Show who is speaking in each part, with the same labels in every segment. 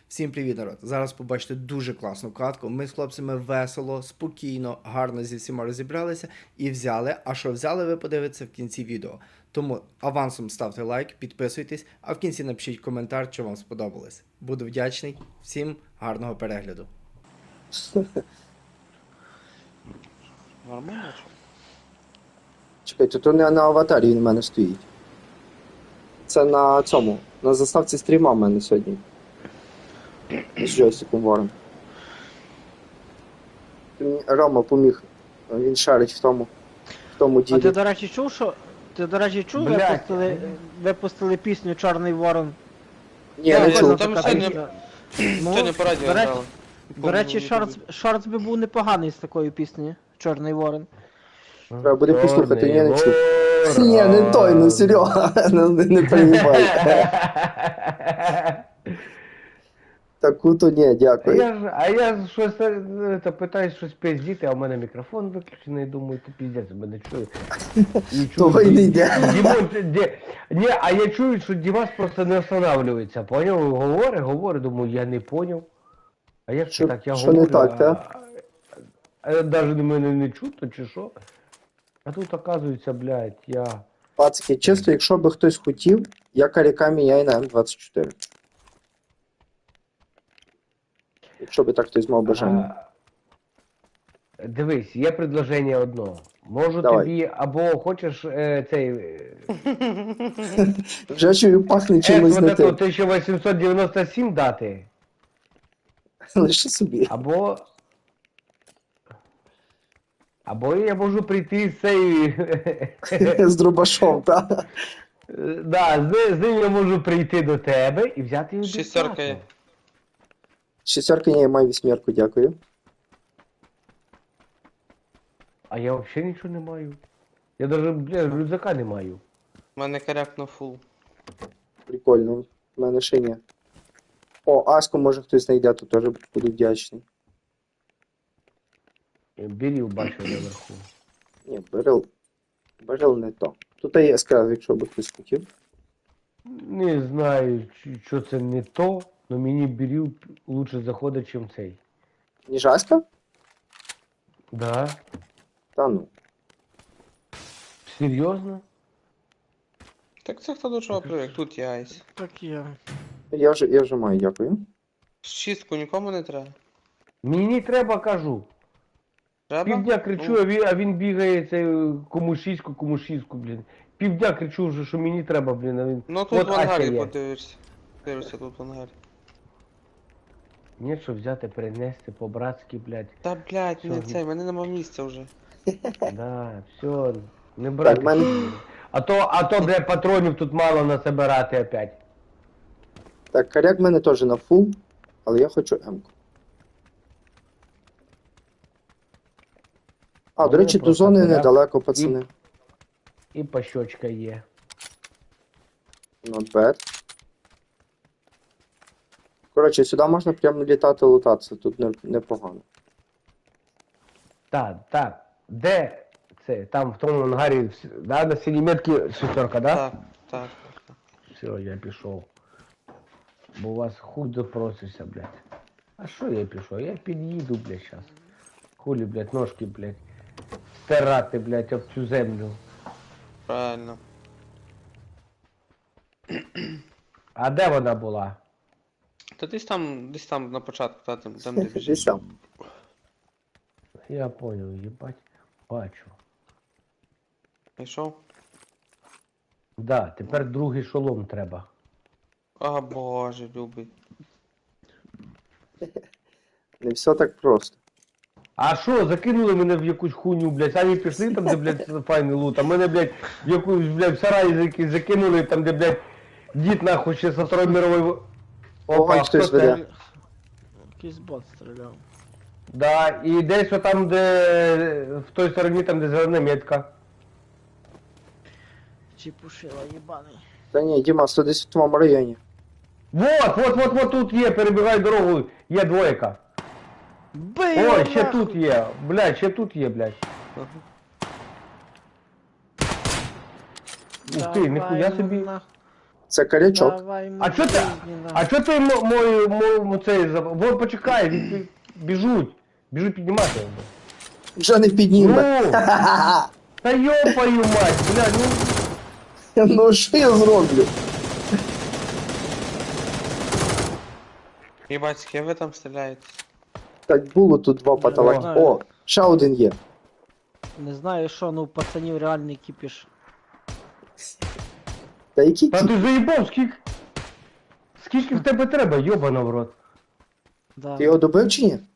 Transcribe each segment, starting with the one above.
Speaker 1: Всім привіт, народ! Зараз побачите дуже класну катку. Ми з хлопцями весело, спокійно, гарно зі всіма розібралися і взяли. А що взяли, ви подивитеся в кінці відео. Тому авансом ставте лайк, підписуйтесь, а в кінці напишіть коментар, що вам сподобалось. Буду вдячний. Всім гарного перегляду.
Speaker 2: Нормально?
Speaker 3: Чекайте, то не на аватарі він в мене стоїть. Це на цьому. На заставці стріма в мене сьогодні. З джойстиком вором. Рома поміг. Він шарить в тому
Speaker 2: А
Speaker 3: ділі.
Speaker 2: ти, до речі, чув, що... Ти, до речі, чув, випустили пісню «Чорний ворон»?
Speaker 3: Ні, не чув.
Speaker 4: Там сьогодні по радіо грали.
Speaker 2: До речі, шортс би був непоганий з такою піснею «Чорний ворон».
Speaker 3: Треба буде послухати, я не чув. Ні, не той, ну Серега, не перебивай. Таку-то ні, дякую.
Speaker 5: А я щось питаюсь щось пиздіти, а в мене мікрофон виключений, думаю, ти піздець мене чує.
Speaker 3: Того й не йде.
Speaker 5: Ні, а я чую, що Дімас просто не останавливається, поняв? Говорить, думаю, я не поняв. А як це так, я
Speaker 3: що
Speaker 5: говорю,
Speaker 3: не так, та?
Speaker 5: а навіть мене не чутно, чи що? А тут, оказується, блядь, я...
Speaker 3: Пацки, чисто, якщо би хтось хотів, я Карікамі, я і на М24. Якщо би так хтось мав бажання.
Speaker 5: Дивись, є предложення одно. Можу
Speaker 3: Давай.
Speaker 5: тобі, або хочеш цей...
Speaker 3: Вже чую, пахне чимось не тим.
Speaker 5: 1897 дати,
Speaker 3: Лише собі.
Speaker 5: або я можу прийти з цей...
Speaker 3: З дробашом, так?
Speaker 5: Да, з ним я можу прийти до тебе і взяти його
Speaker 4: Шістерка є.
Speaker 3: Шістерка, ні, я маю вісьмерку, дякую.
Speaker 5: А я взагалі нічого не маю. Я навіть, блядь, рюкзака не маю.
Speaker 4: У мене коряк на фул.
Speaker 3: Прикольно. В мене ще ні. О, Аску може хтось знайде, то теж буду вдячний.
Speaker 5: Бірів бачив наверху.
Speaker 3: Ні, Берил не то. Тут є яскраз, якщо би хтось хотів.
Speaker 5: Не знаю, що це не то, але мені бірів лучше заходить, чим цей.
Speaker 3: Ніж Аська?
Speaker 5: Да?
Speaker 3: Та ну.
Speaker 5: Серйозно?
Speaker 4: Так це хто до чого привик, тут є айс.
Speaker 2: Так я.
Speaker 3: Я вже маю, дякую.
Speaker 4: Шістку нікому не треба.
Speaker 5: Мені треба, кажу.
Speaker 4: Треба?
Speaker 5: Півдня кричу, а він бігає цей кому шістку, блін. Півдня кричу вже, що мені треба, блін, а він...
Speaker 4: Ну тут
Speaker 5: От
Speaker 4: в ангарі
Speaker 5: Ася є.
Speaker 4: подивишся. Дивишся тут в ангарі.
Speaker 5: Ні, що взяти, перенести по-братськи, блядь.
Speaker 4: Та блядь, не
Speaker 5: Що?
Speaker 4: цей, в мене нема місця вже.
Speaker 5: Да, все, не брати.
Speaker 3: Так, мене-
Speaker 5: А то, блядь, патронів тут мало насобирати опять.
Speaker 3: Так, коряк в мене теж на фул, але я хочу М-ку. А, до речі, до
Speaker 5: просто
Speaker 3: зони
Speaker 5: коряк
Speaker 3: недалеко, пацани.
Speaker 5: І пощочка є.
Speaker 3: Not bad. Коротше, сюди можна прямо літати, лутатися, тут непогано.
Speaker 5: Так. Де це? Там в тому ангарі, да, на синій метці шестерка, да?
Speaker 4: Так.
Speaker 5: Все, я пішов. Бо у вас хуй допросишся, блядь. А що я пішов? Я під'їду, блядь, щас. Хулі, блядь, ножки, блядь. Стирати, блядь, об цю землю.
Speaker 4: Правильно.
Speaker 5: А де вона була?
Speaker 4: Та десь там на початку, там де біжиш.
Speaker 3: Десь там.
Speaker 5: Я понял, їбать. Бачу.
Speaker 4: Пішов?
Speaker 5: Да, тепер другий шолом треба.
Speaker 4: А боже, любий.
Speaker 3: Не все так просто.
Speaker 5: А що, закинули мене в якусь хуйню, блядь, самі пішли там, де, блядь, файний лут, а мене, блядь, в якусь, блядь, в сараї закинули, там, де, блядь, дід нахуй ще со Второї мирової...
Speaker 3: Ой, хтось
Speaker 5: хто це?
Speaker 3: веде.
Speaker 2: Якийсь бот стріляв.
Speaker 5: Да, і десь там, де, в той стороні, там, де зелена метка.
Speaker 2: Чіпушила, їбаний.
Speaker 3: Та ні, Діма, це десь в твоєму районі.
Speaker 5: Вот, тут є, перебігай дорогу, є двойка.
Speaker 2: Бий!
Speaker 5: Ой, ще тут є, блядь, ще тут є, блядь. Ух ти, ніхуя собі.
Speaker 3: Це корячок.
Speaker 2: Давай,
Speaker 5: А чо ти,
Speaker 2: мужчина.
Speaker 5: а чо ти мою цей, вон почекай, біжуть піднімати.
Speaker 3: Вже не підніме.
Speaker 5: Ну, та йопаю мать, бля, ну,
Speaker 3: Ну що я зроблю?
Speaker 4: Єбать, з ким ви там стріляєте?
Speaker 3: Так було тут два паталаки.
Speaker 2: знаю.
Speaker 3: О, ще один є.
Speaker 2: Не знаю що, ну у пацанів реальний кіпіш.
Speaker 3: Та який
Speaker 5: та
Speaker 3: ті?
Speaker 5: ти заїбав, скільки в тебе треба, йобана в рот.
Speaker 2: Да.
Speaker 3: Ти його добив чи ні?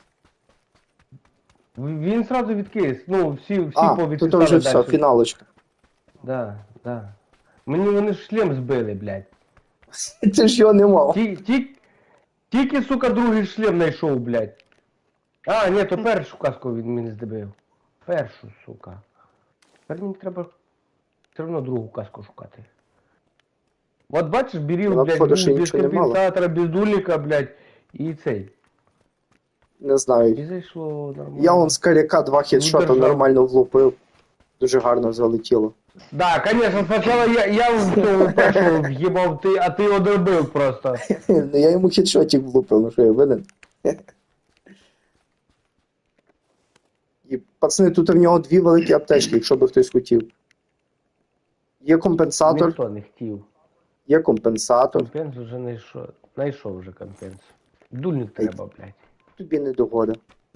Speaker 5: Він сразу відкис, ну, всі
Speaker 3: А,
Speaker 5: повідписали
Speaker 3: тут вже все,
Speaker 5: дальше.
Speaker 3: фіналочка.
Speaker 5: Да, да. Мені вони ж шлем збили, блядь.
Speaker 3: Ти ж його не мав.
Speaker 5: Тільки, сука, другий шлем знайшов, блядь. А, ні, то першу каску він мені здобив. Першу, сука. Тепер мені треба все одно другу каску шукати. От бачиш, беріл,
Speaker 3: Вона,
Speaker 5: блядь,
Speaker 3: походу, ще
Speaker 5: без
Speaker 3: нічого не мала.
Speaker 5: компенсатора, без дульника, блядь, і цей.
Speaker 3: Не знаю.
Speaker 5: І зайшло нормально.
Speaker 3: Я он з коряка два хедшота
Speaker 5: держав.
Speaker 3: нормально влупив. Дуже гарно залетіло.
Speaker 5: Да, конечно, спочатку я в цього першого в'їбав, а ти одробив просто.
Speaker 3: Ну я йому хедшотик влупив, ну що я винен. І пацани, тут в нього дві великі аптечки, якщо би хтось хотів. Є компенсатор,
Speaker 5: Ніхто не хотів.
Speaker 3: є компенсатор.
Speaker 5: Компенс вже знайшов вже компенс. Дульник треба, блядь.
Speaker 3: Тобі не догода.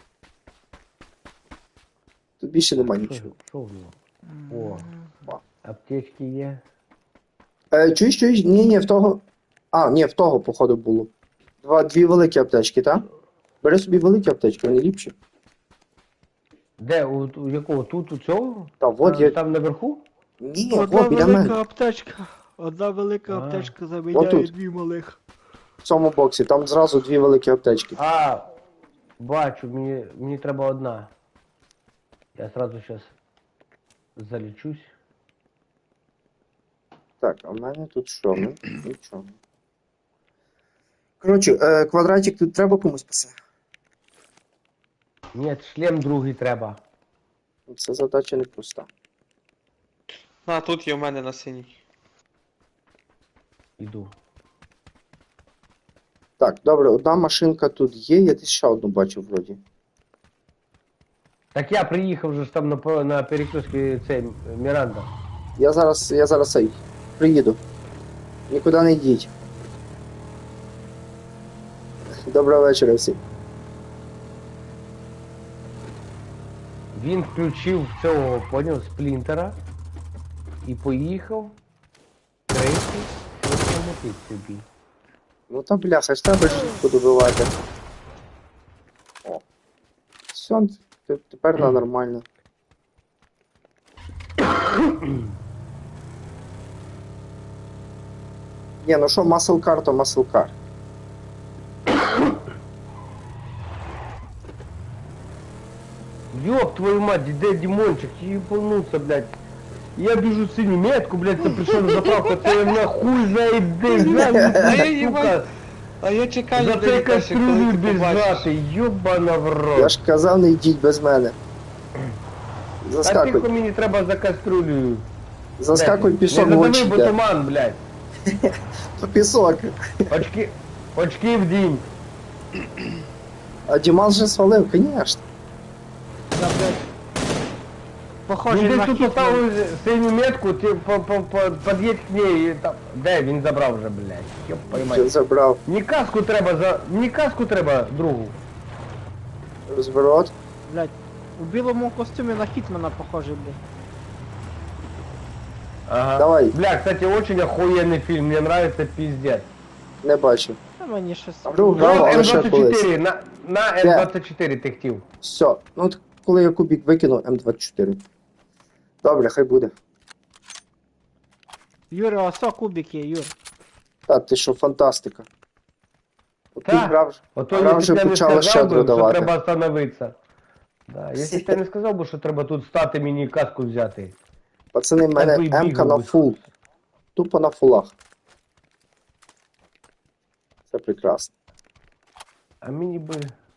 Speaker 3: Тут більше нема нічого.
Speaker 5: Що в нього? О, аптечки є.
Speaker 3: Чуєш? Ні, в того. А, ні, в того, походу, було. Дві великі аптечки, так? Бери собі великі аптечки, вони ліпші.
Speaker 5: Де? У якого? Тут, у цього?
Speaker 3: Та, от є.
Speaker 5: Там наверху?
Speaker 3: Ні,
Speaker 2: Одна
Speaker 3: от біля
Speaker 2: велика
Speaker 3: мене.
Speaker 2: аптечка. Одна велика
Speaker 5: А.
Speaker 2: аптечка заміняє
Speaker 3: Отут.
Speaker 2: дві малих.
Speaker 3: В цьому боксі, там зразу дві великі аптечки.
Speaker 5: А, бачу, мені треба одна. Я сразу сейчас залічусь.
Speaker 3: Так, а в мене тут що? Ну, нічого. Коротше, квадратик тут треба комусь писати.
Speaker 5: Ні, шлем другий треба.
Speaker 3: Це задача непроста.
Speaker 4: А, тут є в мене на синій.
Speaker 5: Іду.
Speaker 3: Так, добре, одна машинка тут є, я десь ще одну бачив вроді.
Speaker 5: Так я приїхав же ж там на перекрестці цей Міранда.
Speaker 3: Я зараз цей, приїду. Нікуди не йдіть. Доброго вечора всім.
Speaker 5: Він включив цього, поняв, сплінтера і поїхав третій автоматить собі.
Speaker 3: Ну та бляха, ж треба ж подобивати. О. Все, тепер на нормально. Ні, ну що, маслкар, то маслкар.
Speaker 5: Ёб твою мать, де Дімончик, їбануться, блядь. Я біжу синю метку, блядь, це прийшов на заправку, це я нахуй знає де, сука.
Speaker 4: А я чекаю,
Speaker 5: За цей кастрюлю біжати, ёбана в
Speaker 3: Я
Speaker 5: рот.
Speaker 3: ж казав, не йдіть без мене.
Speaker 5: А тихо
Speaker 3: Заскакуй,
Speaker 5: мені треба за кастрюлею.
Speaker 3: заскакуй пісок в
Speaker 5: Не
Speaker 3: очі
Speaker 5: задави, бо
Speaker 3: йде.
Speaker 5: туман, блядь.
Speaker 3: То пісок.
Speaker 5: Очки в дім.
Speaker 3: А Діман вже свалив, звісно.
Speaker 2: Да, блядь. Похоже
Speaker 5: Він
Speaker 2: на
Speaker 5: десь тут
Speaker 2: Хітман.
Speaker 5: поставив синю метку, ти під'їдь к ней і там... Де? Він забрав вже, блядь. Ёб
Speaker 3: Вже
Speaker 5: поймай.
Speaker 3: забрав
Speaker 5: Мені каску треба другу.
Speaker 3: розворот.
Speaker 2: Блядь. У білому костюмі на Хітмана похожий, блядь.
Speaker 5: Ага.
Speaker 3: Давай.
Speaker 5: Бля, кстати, очень охуенный фильм, мне нравится пиздец.
Speaker 3: Не бачив.
Speaker 2: Та мені щось...
Speaker 3: А вдруг
Speaker 5: Ну,
Speaker 3: грав, але ще колись.
Speaker 5: М24, на М24 ти хотів.
Speaker 3: Все. Ну от коли я кубік викину, М24. Добре, хай буде.
Speaker 2: Юра, осо кубик є, Юр.
Speaker 3: Та ти що, фантастика. От тут
Speaker 5: Так.
Speaker 3: грав,
Speaker 5: Ото
Speaker 3: гра
Speaker 5: якщо
Speaker 3: вже
Speaker 5: б я не
Speaker 3: почала
Speaker 5: сказав
Speaker 3: щедро
Speaker 5: би, що
Speaker 3: давати.
Speaker 5: треба остановитися. Да, якщо б я не сказав би, що треба тут стати мені каску взяти.
Speaker 3: Пацани, в мене
Speaker 5: би й
Speaker 3: М-ка
Speaker 5: бігав
Speaker 3: на
Speaker 5: би.
Speaker 3: фул. Тупо на фулах. Це прекрасно.
Speaker 5: А мені би...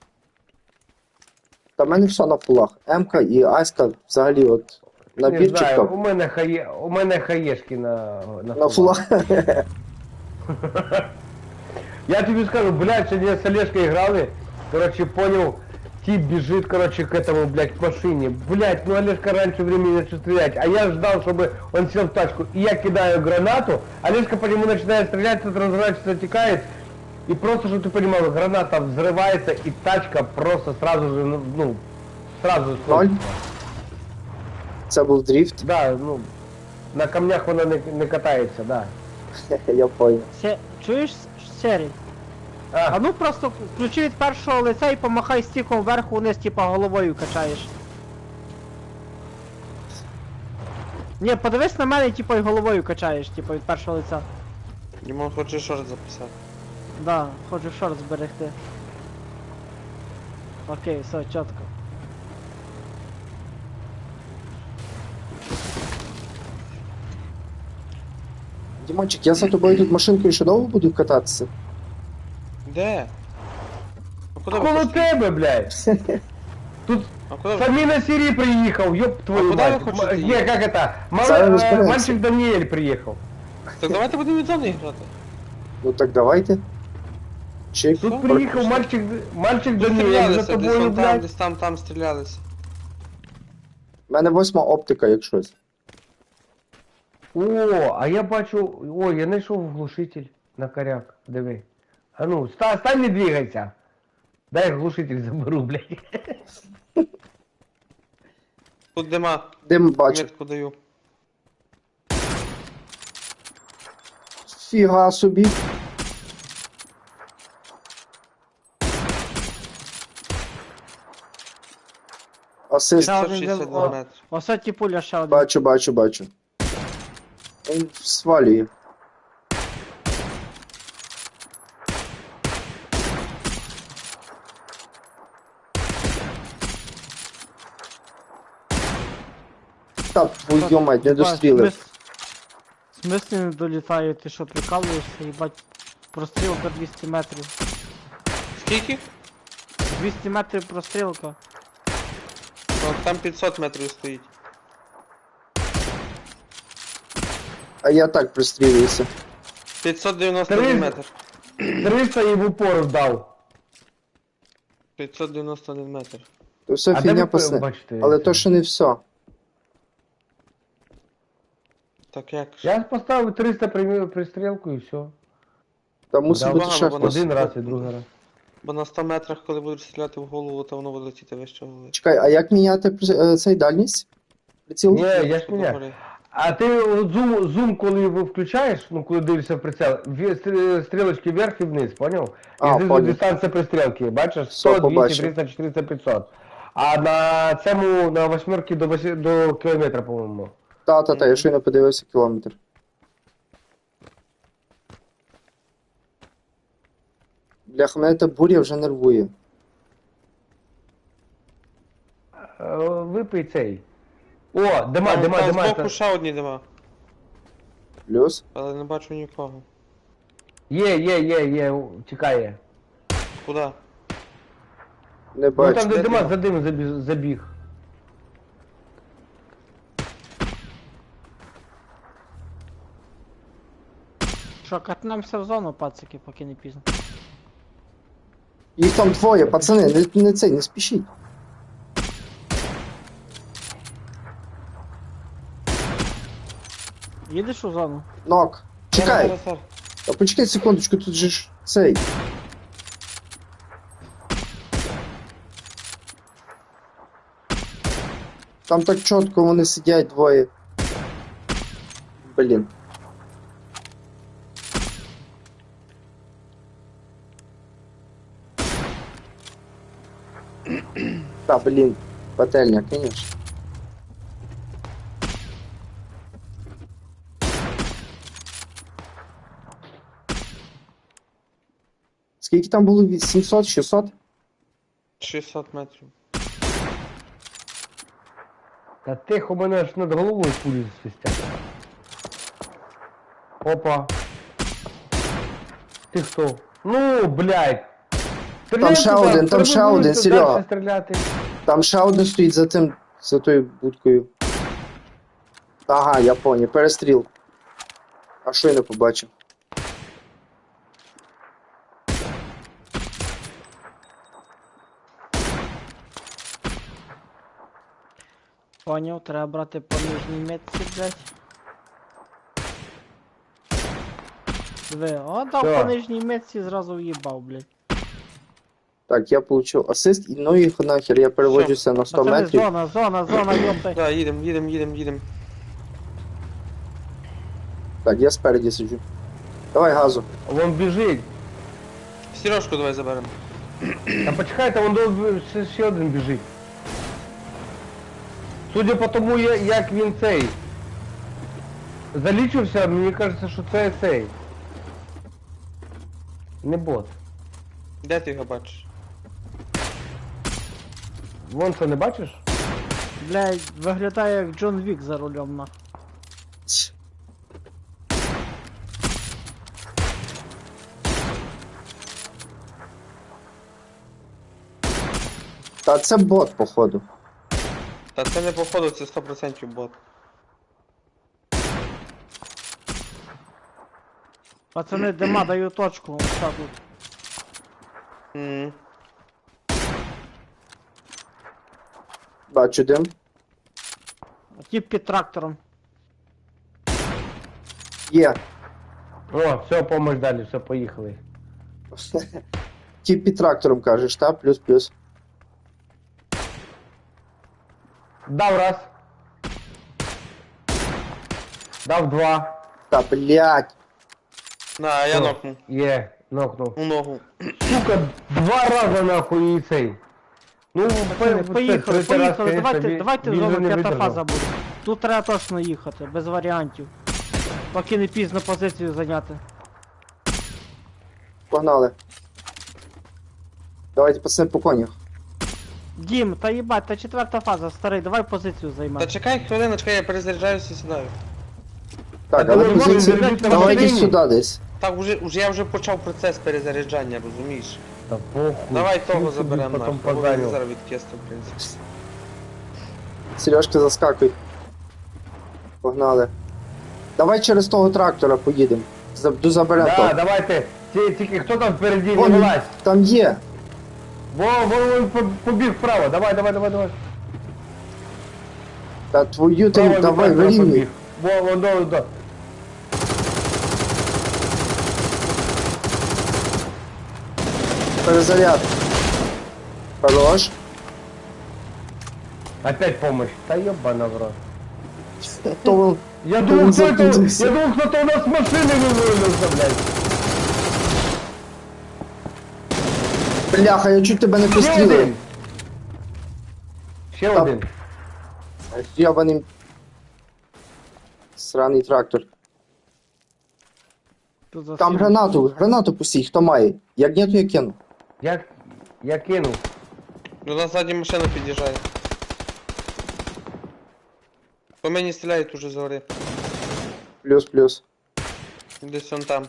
Speaker 3: Та в мене все на фулах. М-ка і Аська взагалі от
Speaker 5: Не
Speaker 3: набірчик
Speaker 5: знаю,
Speaker 3: топ.
Speaker 5: у мене хаєшки на
Speaker 3: На фулах.
Speaker 5: Я тобі скажу, блядь, сьогодні с Олежкой играли, короче, понял, тип бежит, короче, к этому, блядь, к машине. Блядь, ну Олежка раньше времени начал стрелять, а я ждал, чтобы он сел в тачку. И я кидаю гранату, Олежка по нему начинает стрелять, тут разворачивается, отекает. И просто, чтобы ты понимал, граната взрывается, и тачка просто сразу же, ну, сразу...
Speaker 3: Ноль? Це був дріфт?
Speaker 5: Да, ну, на камнях вона не катається, да.
Speaker 3: Я понял.
Speaker 2: Чуєш, Серій? А ну просто включи від першого лиця і помахай стіком вверху вниз, типа головою качаєш. Ні, подивись на мене, типа і головою качаєш, типа від першого лиця.
Speaker 4: Дімон хоче шорт записати.
Speaker 2: Да, хочу шорт зберегти. Окей, все, чітко.
Speaker 3: Дімончик, я за тобою тут машинкою ще довго буду кататися?
Speaker 4: Де? А куди ви
Speaker 5: Коло
Speaker 4: хочете?
Speaker 5: тебе, блядь! Тут
Speaker 4: А куди ви?
Speaker 5: Самі на Сирии приехал, ёб твою
Speaker 4: куда
Speaker 5: мать.
Speaker 4: вы хотите
Speaker 5: Не, как это?
Speaker 3: Зараз розберемося.
Speaker 5: Мальчик Даниэль приехал.
Speaker 4: Так давайте будемо від зони грати.
Speaker 3: Ну так давайте. Чик.
Speaker 5: Тут
Speaker 4: Что?
Speaker 5: приехал мальчик
Speaker 4: Тут
Speaker 5: Даниэль за
Speaker 4: стрілялися, десь
Speaker 5: тобою,
Speaker 4: вон там,
Speaker 5: блядь.
Speaker 4: десь там стрілялися.
Speaker 3: У мене 8 оптика, як щось.
Speaker 5: О, а я бачу, ой, я знайшов глушитель на коряк, диви. А ну, стань, не двигайся. Дай глушитель заберу, блядь.
Speaker 4: Тут дима,
Speaker 3: Дим бачу.
Speaker 4: метку даю.
Speaker 3: Фіга собі. Асист.
Speaker 2: Ще один
Speaker 4: 562
Speaker 2: о,
Speaker 4: метри.
Speaker 2: Оце ті пуля ще один.
Speaker 3: Бачу. Він свалює. Та твою мать, не дострілив.
Speaker 2: В смислі не долітає, ти що прикалуєшся, їбать. Прострілка 200 метрів.
Speaker 4: Скільки?
Speaker 2: 200 метрів прострілка.
Speaker 4: О, там 500 метрів стоїть.
Speaker 3: А я так пристрілююся.
Speaker 4: 591 метр.
Speaker 5: 300 і в упор дав.
Speaker 4: 591 метр.
Speaker 3: То все
Speaker 5: А де
Speaker 3: фігня
Speaker 5: ви
Speaker 3: пасне.
Speaker 5: бачите
Speaker 3: Але
Speaker 5: це?
Speaker 3: то ще не все.
Speaker 4: Так як ж?
Speaker 5: Я поставив 300 пристрілку і все.
Speaker 3: Там мусить
Speaker 5: Да,
Speaker 3: бути
Speaker 4: багато,
Speaker 3: ще
Speaker 4: бо
Speaker 3: хтось.
Speaker 5: Один раз і другий раз.
Speaker 4: Бо на 100 метрах, коли будеш стріляти в голову, то воно буде летіти вище голови.
Speaker 3: Чекай, а як міняти цей дальність? Приціл?
Speaker 5: Ні, я ж
Speaker 4: Догори.
Speaker 5: мене. А ти от зум, коли включаєш, ну коли дивишся в прицел, стрілочки вверх і вниз, поняв?
Speaker 3: А,
Speaker 5: І знизу
Speaker 3: поняв.
Speaker 5: дистанція пристрілки, бачиш?
Speaker 3: Все
Speaker 5: 100, 200,
Speaker 3: побачив.
Speaker 5: 300, 400, 500. А на цьому, на восьмерки до кілометра, по-моєму.
Speaker 3: Та, я щойно подивився кілометр. Бляха, мене та буря вже нервує.
Speaker 5: Випий цей. О, дима.
Speaker 4: Там збоку ще одні дима,
Speaker 3: Плюс?
Speaker 4: але не бачу нікого.
Speaker 5: Є, чекає.
Speaker 4: Куди?
Speaker 3: Не
Speaker 5: Ну
Speaker 3: бачу.
Speaker 5: там де
Speaker 4: де
Speaker 5: дима
Speaker 4: дима?
Speaker 5: за дим забіг.
Speaker 2: Що, катнемося в зону, пацики, поки не пізно.
Speaker 3: Їх там двоє, пацани, не спішіть.
Speaker 2: Їдеш у зону?
Speaker 3: Нок. Чекай,
Speaker 4: Зараз.
Speaker 3: а почекай секундочку, тут же ж цей. Там так чітко вони сидять двоє. Блін. Та, блін, пательня, конечно. Скільки там було? 700, 600?
Speaker 4: 600 метрів.
Speaker 5: Та тихо, мене аж над головою пулі свистять. Опа. Ти хто? Ну, блядь.
Speaker 3: Там ще один, там ще один, Серега.
Speaker 5: Стріляти.
Speaker 3: Там ще один стоїть за тою будкою. Ага, я понял, перестріл. А що я не побачив?
Speaker 2: Поняв, треба брати по нижній метці, блядь. Диви, о, дав
Speaker 5: Що?
Speaker 2: по нижній метці, зразу в'їбав, блядь.
Speaker 3: Так, я получив асист, і ну їх нахер, я переводжуся на 100
Speaker 2: Пацани,
Speaker 3: метрів.
Speaker 2: зона, йоптай.
Speaker 4: Да, їдем.
Speaker 3: Так, я спереді сиджу. Давай газу.
Speaker 5: Вон біжить.
Speaker 4: Сережку давай заберемо.
Speaker 5: Та почекайте, вон ще один біжить. Судя по тому, як він цей. Залічився, мені кажеться, що це цей. Не бот.
Speaker 4: Де ти його бачиш?
Speaker 5: Вон це не бачиш?
Speaker 2: Блядь, виглядає як Джон Вік за рулем, нахуй.
Speaker 3: Та це бот, походу.
Speaker 4: Та це не походу, це 100% бот.
Speaker 2: Пацани, дима, даю точку, ось так тут.
Speaker 4: Мгм.
Speaker 3: Бачу дим.
Speaker 2: Тіп під трактором.
Speaker 3: Є.
Speaker 5: О, все, помощь далі, все, поїхали.
Speaker 3: Тіп під трактором кажеш, та? Плюс-плюс.
Speaker 5: Дав раз. Дав два.
Speaker 3: Та, блядь.
Speaker 4: На, я
Speaker 5: Все,
Speaker 4: нокну.
Speaker 5: Є, нокнув.
Speaker 4: У ногу.
Speaker 5: Сука, два рази нахуй і цей. Ну,
Speaker 2: Пацани, поїхали,
Speaker 5: третій раз,
Speaker 2: поїхали,
Speaker 5: конечно,
Speaker 2: давайте
Speaker 5: він
Speaker 2: зону
Speaker 5: же не
Speaker 2: п'ята
Speaker 5: видержав.
Speaker 2: фаза буде. Тут треба точно їхати, без варіантів. Поки не пізно позицію зайняти.
Speaker 3: Погнали. Давайте пацани по конях.
Speaker 2: Дім, та їбать, та четверта фаза, старий, давай позицію
Speaker 4: Та
Speaker 2: займай.
Speaker 4: чекай хвилиночку, я перезаряджаюся і сідаю.
Speaker 3: Так,
Speaker 5: Та
Speaker 3: але
Speaker 5: думаю,
Speaker 3: позиції.
Speaker 5: ви йдете
Speaker 3: Давайте
Speaker 5: машині.
Speaker 3: сюди десь.
Speaker 4: Так, я вже почав процес перезаряджання, розумієш?
Speaker 5: Та похуй.
Speaker 4: Давай
Speaker 5: всі
Speaker 4: того
Speaker 5: собі
Speaker 4: заберемо
Speaker 5: потім
Speaker 4: нахуй, бо
Speaker 5: позарю.
Speaker 4: він зараз відкисти, в принципі.
Speaker 3: Сережка, заскакуй. Погнали. Давай через того трактора поїдемо. Заберемо
Speaker 5: Да,
Speaker 3: того.
Speaker 5: давайте. Тільки хто там впереді, не
Speaker 3: Вон,
Speaker 5: вилазь.
Speaker 3: там є.
Speaker 5: Вон побіг вправо, давай.
Speaker 3: Та твою ти,
Speaker 5: Вправо,
Speaker 3: давай,
Speaker 5: вправо
Speaker 3: вирівнюй.
Speaker 5: побіг. Вон, до.
Speaker 3: Перезаряд. Хорош.
Speaker 5: Опять помощь. Та ёбана в рот.
Speaker 3: То вон-
Speaker 5: Я
Speaker 3: Він
Speaker 5: думал, кто это,
Speaker 3: запутался.
Speaker 5: я думал, кто-то у нас с машины вывалился, блядь.
Speaker 3: Бляха, я чуть тебе не
Speaker 5: Ще
Speaker 3: пострілив.
Speaker 5: один. Ще
Speaker 3: Та-
Speaker 5: один.
Speaker 3: Ябаний сраний трактор.
Speaker 2: Тут за
Speaker 3: Там
Speaker 2: всім.
Speaker 3: гранату пустій, хто має. Як ні, то я кину.
Speaker 5: Я кинув.
Speaker 4: Ну на ззаді машина під'їжджає. По мені стріляють уже згори.
Speaker 3: Плюс.
Speaker 4: Десь он там.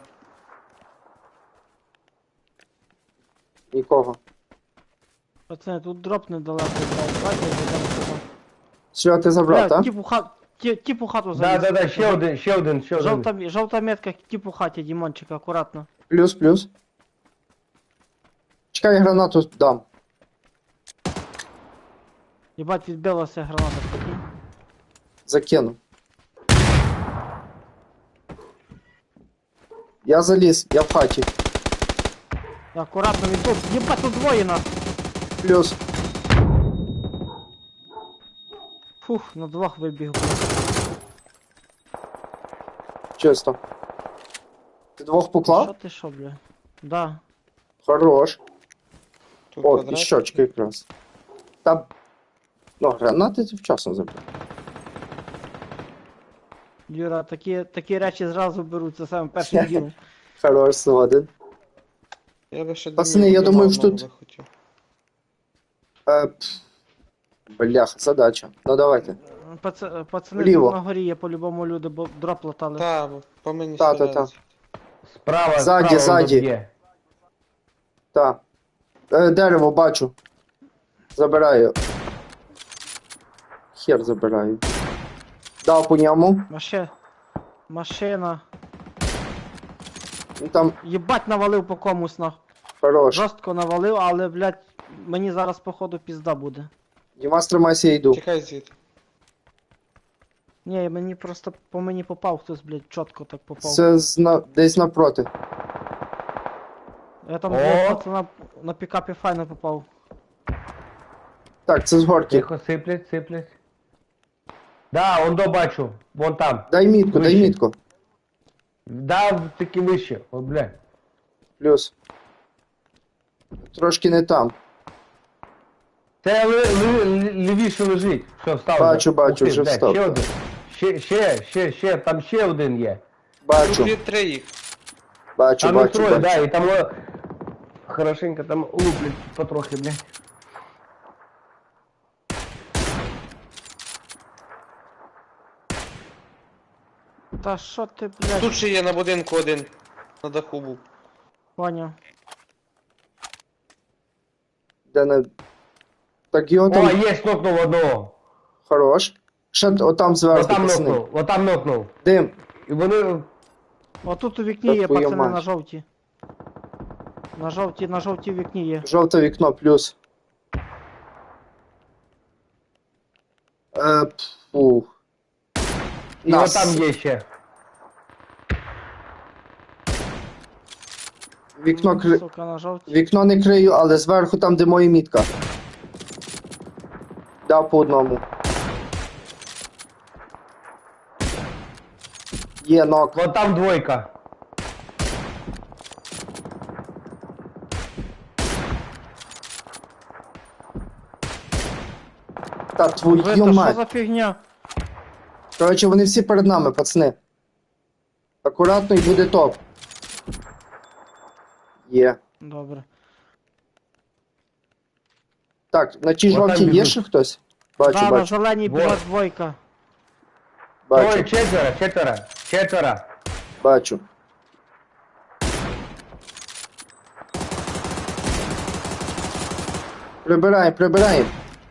Speaker 3: Нікого.
Speaker 2: Пацани, тут дроп недалеко, блядь, давайте зайдемо сюди.
Speaker 3: Що, ти забрав,
Speaker 2: Бля,
Speaker 3: так?
Speaker 2: тіп у хату заліз.
Speaker 5: Да, ще один.
Speaker 2: Жовта метка, тіп у хаті, Дімончик, акуратно.
Speaker 3: Плюс. Чекай, гранату дам.
Speaker 2: Єбать, відбилася граната, прикинь.
Speaker 3: Закину. Я заліз, я в хаті.
Speaker 2: Акуратно, він тут, єбать, тут двоє нас.
Speaker 3: Плюс.
Speaker 2: Фух, на двох вибіг, блядь.
Speaker 3: Чисто. Ти двох
Speaker 2: Що
Speaker 3: поклав?
Speaker 2: ти що, бля? Да.
Speaker 3: Хорош.
Speaker 4: Тут
Speaker 3: О,
Speaker 4: квадрат.
Speaker 3: і щочки якраз. Та... Ну, гранати ти вчасно забрав.
Speaker 2: Юра, такі речі зразу беруть, це саме першим ділом.
Speaker 3: Хорош, згоден.
Speaker 4: Я би ще
Speaker 3: Пацани,
Speaker 4: думаю,
Speaker 3: я думаю,
Speaker 4: одного
Speaker 3: що тут-
Speaker 4: захотів.
Speaker 3: Бляха, задача. Ну давайте.
Speaker 2: Пацани,
Speaker 3: Вліво.
Speaker 2: тут на горі є по-любому люди, бо дроп латали.
Speaker 4: Та, по мені
Speaker 3: Та.
Speaker 4: стріляють.
Speaker 5: Справа,
Speaker 3: Ззаді,
Speaker 5: справа
Speaker 3: ззаді.
Speaker 5: є.
Speaker 3: Так. Дерево бачу. Забираю. Хер забираю. Дав по ньому.
Speaker 2: Машина.
Speaker 3: Ну, там
Speaker 2: Єбать, навалив по комусь, нах.
Speaker 3: хорош.
Speaker 2: Жорстко навалив, але, блядь, мені зараз, походу, пізда буде.
Speaker 3: Дімас, тримайся, я йду.
Speaker 4: Тікай звідти.
Speaker 2: Ні, мені просто по мені попав хтось, блядь, чітко так попав.
Speaker 3: Це десь напроти.
Speaker 2: Я там
Speaker 5: О!
Speaker 2: блядь, пацана на пікапі файно попав.
Speaker 3: Так, це з горки.
Speaker 5: Тихо, сиплять, сиплять. Да, он до бачу. Вон там.
Speaker 3: Дай мітку, дай
Speaker 5: Вище.
Speaker 3: мітку.
Speaker 5: Да, таки вище. О, бля.
Speaker 3: Плюс. Трошки не там.
Speaker 5: Це лівіше лежить. Все, встав.
Speaker 3: Бачу,
Speaker 5: вже.
Speaker 3: бачу,
Speaker 5: Ух ти,
Speaker 3: вже
Speaker 5: блядь,
Speaker 3: встав.
Speaker 5: Ще один. Ще, там ще один є.
Speaker 3: Бачу,
Speaker 4: Тут є 3 їх.
Speaker 3: бачу,
Speaker 5: Там їх
Speaker 3: бачу,
Speaker 5: троє, да,
Speaker 3: бачу.
Speaker 5: і там хорошенько там луплять потрохи, блядь.
Speaker 2: Та що ти, блядь,
Speaker 4: Тут ще є на будинку один. На даху був.
Speaker 2: поняв.
Speaker 3: Де не... Так його
Speaker 5: О,
Speaker 3: там
Speaker 5: є, нокнув одного.
Speaker 3: хорош. Ще отам зверху,
Speaker 5: Отам
Speaker 3: пацани.
Speaker 5: нокнув, отам нокнув.
Speaker 3: Дим.
Speaker 5: І вони...
Speaker 2: Отут у вікні
Speaker 3: Та
Speaker 2: є,
Speaker 3: твою
Speaker 2: пацани,
Speaker 3: мать.
Speaker 2: на жовті. На жовтій вікні є.
Speaker 3: Жовте вікно, плюс. Фух.
Speaker 5: І отам є ще.
Speaker 3: Вікно,
Speaker 2: на жовтій.
Speaker 3: Вікно не крию, але зверху там, де моя мітка. Дав по одному. Є нок.
Speaker 5: Вон там двойка.
Speaker 3: Та твою
Speaker 2: Ви, то що
Speaker 3: мать.
Speaker 2: за фігня?
Speaker 3: Коротше, вони всі перед нами, пацани. Акуратно і буде топ. Є.
Speaker 2: Добре.
Speaker 3: Так, на тій
Speaker 5: Вот там
Speaker 3: жовтій є
Speaker 5: біжуть.
Speaker 3: ще хтось? Бачу,
Speaker 2: Да, на
Speaker 3: бачу,
Speaker 2: зеленій
Speaker 5: Вот.
Speaker 2: біжать двойка.
Speaker 5: Троє,
Speaker 3: бачу,
Speaker 5: четверо.
Speaker 3: бачу. Прибираємо, прибираємо.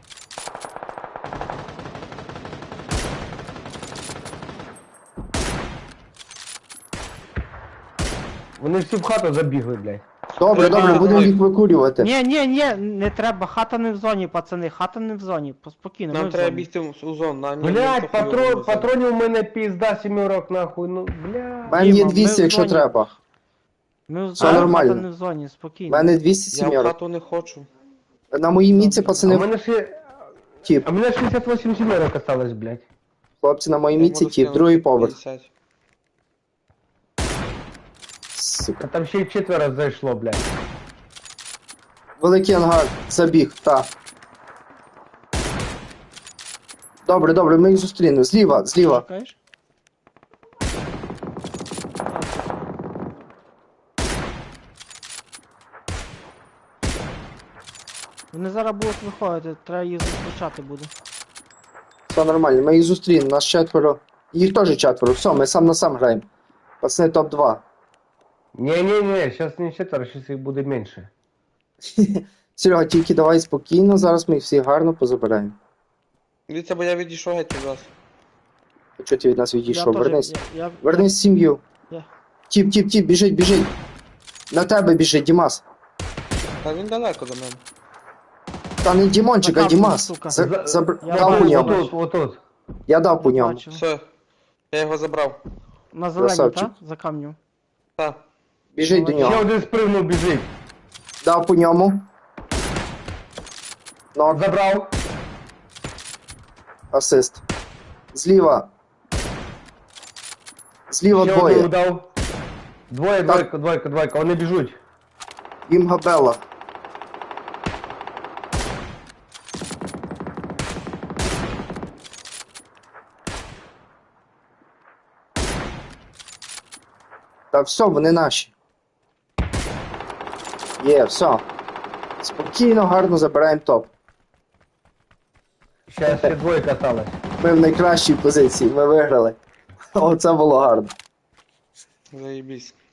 Speaker 5: Вони всі в хату забігли, блядь.
Speaker 3: Добре,
Speaker 4: Треба-
Speaker 3: добре, будемо їх викурювати.
Speaker 2: Ні, не треба, хата не в зоні, пацани, хата не в зоні, спокійно, ми
Speaker 4: Нам
Speaker 2: в
Speaker 4: треба
Speaker 2: зоні.
Speaker 4: бігти у зону. На, ні, ми
Speaker 5: Блядь,
Speaker 4: трохи його веземо.
Speaker 5: патронів у мене пізда сімерок, нахуй, ну,
Speaker 3: У
Speaker 5: блядь.
Speaker 3: мене є
Speaker 2: Діма, ми
Speaker 3: 200,
Speaker 2: в
Speaker 3: якщо
Speaker 2: зоні.
Speaker 3: треба.
Speaker 2: Ми в
Speaker 3: Все
Speaker 2: зоні,
Speaker 3: нормально.
Speaker 2: хата не в зоні,
Speaker 3: У
Speaker 2: спокійно.
Speaker 3: мене 200
Speaker 4: Я в
Speaker 3: сімерок.
Speaker 4: хату не хочу.
Speaker 3: На моїй мітці,
Speaker 5: А
Speaker 3: пацани,
Speaker 5: у мене ще...
Speaker 3: тіп.
Speaker 5: А у мене 68 сімерок осталось, блядь.
Speaker 3: Хлопці, на моїй
Speaker 4: Я
Speaker 3: мітці
Speaker 4: можу
Speaker 3: тіп,
Speaker 4: скинути
Speaker 3: другий поверх.
Speaker 4: 50.
Speaker 3: Сука.
Speaker 5: А там ще й четверо зайшло, блядь.
Speaker 3: Великий ангар, забіг, та. Добре, добре, ми їх зустрінемо. Зліва, зліва.
Speaker 2: Чекаєш? Вони зараз будуть виходити, треба їх зустрічати буде.
Speaker 3: Все нормально, ми їх зустрінемо, нас четверо. Їх теж четверо, все, ми сам на сам граємо. Пацани, топ-2.
Speaker 5: Не, сейчас не четверо, сейчас їх буде менше.
Speaker 3: Серега, тільки давай спокійно, зараз ми їх всіх гарно позабираємо.
Speaker 4: Дивіться, бо я відійшов геть від вас.
Speaker 3: Чого ти від нас відійшов?
Speaker 2: Я теж-
Speaker 3: Вернись.
Speaker 2: я-
Speaker 3: Вернись в сім'ю.
Speaker 2: Я-
Speaker 3: Тіп, біжить, біжить. На тебе біжить, Дімас.
Speaker 4: Та він далеко до мене.
Speaker 3: Та не Дімончик, а
Speaker 2: Закапуй,
Speaker 3: Дімас.
Speaker 2: сука. Я
Speaker 3: Дав по
Speaker 2: бачу,
Speaker 3: ньому.
Speaker 2: бачу.
Speaker 5: Отут.
Speaker 3: Я дав по
Speaker 2: Я
Speaker 3: ньому.
Speaker 2: бачу.
Speaker 4: Все, я його забрав.
Speaker 2: На зелені,
Speaker 3: Красавчик.
Speaker 2: так? За камнем.
Speaker 4: Так.
Speaker 3: Біжить до
Speaker 5: Ще
Speaker 3: нього.
Speaker 5: один спригнув, біжить.
Speaker 3: Дав по ньому. Нок,
Speaker 5: Забрав.
Speaker 3: асист. Зліва. Зліва
Speaker 5: Ще
Speaker 3: двоє.
Speaker 5: одного дав. Двоє,
Speaker 3: Так.
Speaker 5: двойка, вони біжуть.
Speaker 3: Їм габела. Та все, вони наші. Є, все. Спокійно, гарно забираємо топ.
Speaker 5: Ще двойка осталась.
Speaker 3: Ми в найкращій позиції, ми виграли. Оце було гарно.
Speaker 4: Заєбісь.